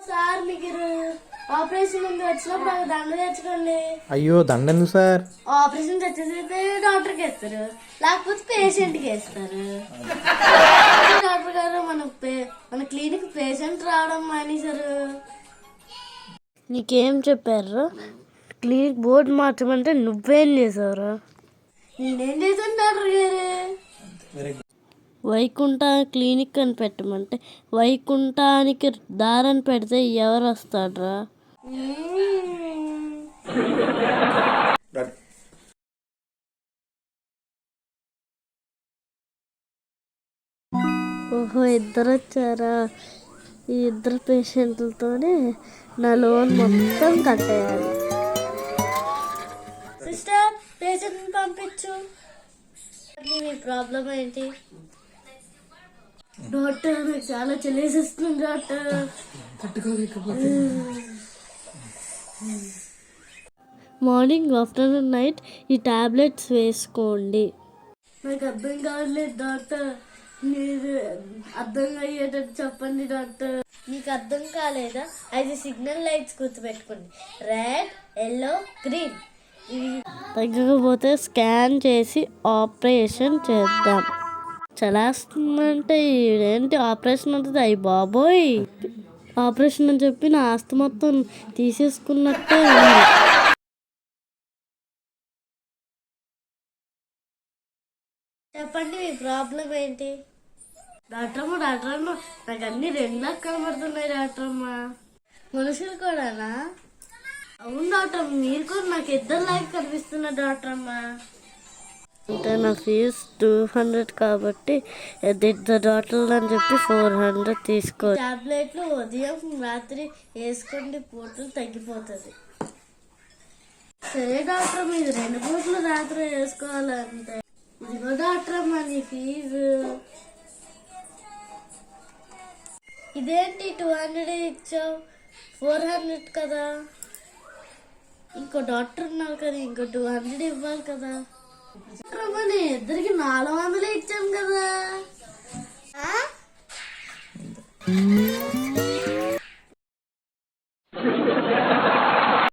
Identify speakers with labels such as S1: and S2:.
S1: Sir మీకు operation ఉంది, వచ్చినప్పుడు ఒక దండ తెచ్చుకోండి.
S2: అయ్యో దండ ఎందుకు సార్?
S1: ఆపరేషన్ తెచ్చేసైతే డాక్టర్కి వేస్తారు, లేకపోతే పేషెంట్కి వేస్తారు. డాక్టర్ గారు మన క్లినిక్ పేషెంట్ రావడం మానేశారు. నీకేం చెప్పారు? క్లినిక్ బోర్డు మార్చమంటే నువ్వేం చేసావురా? నేనేం చేశాను డాక్టర్ గారు? వైకుంఠ క్లినిక్ అని పెట్టమంటే వైకుంఠానికి దారని పెడితే ఎవరు వస్తాడ్రా? ఓహో, ఇద్దరు వచ్చారా? ఈ ఇద్దరు పేషెంట్లతోనే నా లోన్ మొత్తం కట్టేయాలి. సిస్టర్, పేషెంట్ని పంపించు. మీ ప్రాబ్లం ఏంటి? డాక్టర్, నాకు చాలా చెల్లేసిస్తుంది డాక్టర్. మార్నింగ్, ఆఫ్టర్నూన్, నైట్ ఈ టాబ్లెట్స్ వేసుకోండి. నాకు అర్థం కావట్లేదు డాక్టర్, మీరు అర్థం అయ్యేటట్టు చెప్పండి డాక్టర్. మీకు అర్థం కాలేదా? 5 సిగ్నల్ లైట్స్ గుర్తుపెట్టుకోండి, రెడ్, ఎల్లో, గ్రీన్. ఇవి తగ్గకపోతే స్కాన్ చేసి ఆపరేషన్ చేద్దాం. చలాస్తుందంటే ఏంటి ఆపరేషన్ అంటుంది? అయ్యి బాబోయ్, ఆపరేషన్ అని చెప్పి నా ఆస్తి మొత్తం తీసేసుకున్నట్టే ఉంది. చెప్పండి, మీ ప్రాబ్లం ఏంటి? డాక్టర్ అమ్మ, నాకు అన్ని 2 లాక్ కనబడుతున్నాయి డాక్టర్ అమ్మ. మనుషులు కూడానా? అవును డాక్టర్, మీరు కూడా నాకు 2 లాక్ కనిపిస్తున్నారు డాక్టర్ అమ్మ. అంటే నా ఫీజు 200 కాబట్టి డాక్టర్ అని చెప్పి 400 తీసుకో. టాబ్లెట్లు ఉదయం రాత్రి వేసుకోండి, పూటలు తగ్గిపోతుంది. సరే డాక్టర్, మీరు 2 పూటలు రాత్రి వేసుకోవాలంటే. ఇదిగో డాక్టర్ అమ్మ నీ ఫీజు. ఇదేంటి 200 ఇచ్చావు? 400 కదా. ఇంకో డాక్టర్ ఉన్నారు కదా, ఇంకో 200 ఇవ్వాలి కదా. ఇద్దరికి 400 ఇచ్చాను కదా.